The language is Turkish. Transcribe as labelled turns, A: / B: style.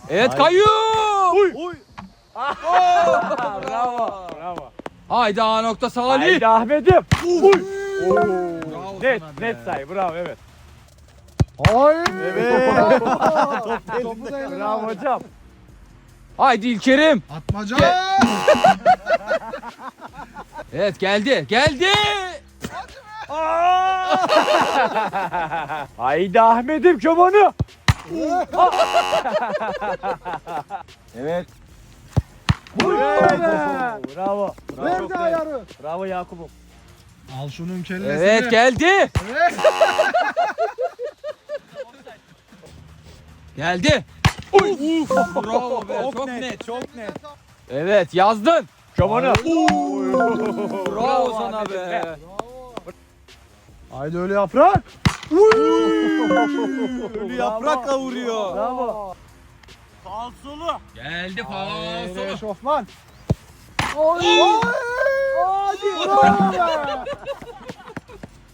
A: Evet Kayyum.
B: Uy.
C: Bravo. Bravo.
A: Haydi A nokta Salih.
C: Haydi Ahmet'im. Uy.
B: Bravo
C: Net
B: sana be.
C: net sayı. Bravo evet.
B: Evet.
D: Topu da eline
C: Bravo
D: al.
C: hocam.
A: Haydi İlker'im.
D: Atmaca.
A: Evet geldi. Geldi.
C: Haydi Ahmet'im çobanı. Evet. Bravo.
D: Verdi ayarı.
C: Bravo Yakup'um.
D: Al şunun kellesini.
A: Evet geldi. Geldi. Bravo be. Çok net.
B: Çok net.
A: Evet yazdın.
C: Çobanı.
A: Bravo sana be.
D: Haydi öyle yaprak.
B: Ölü yaprakla vuruyor.
C: Bravo.
A: Geldi
D: Haydi
A: falso.
D: eşofman.
C: Hadi.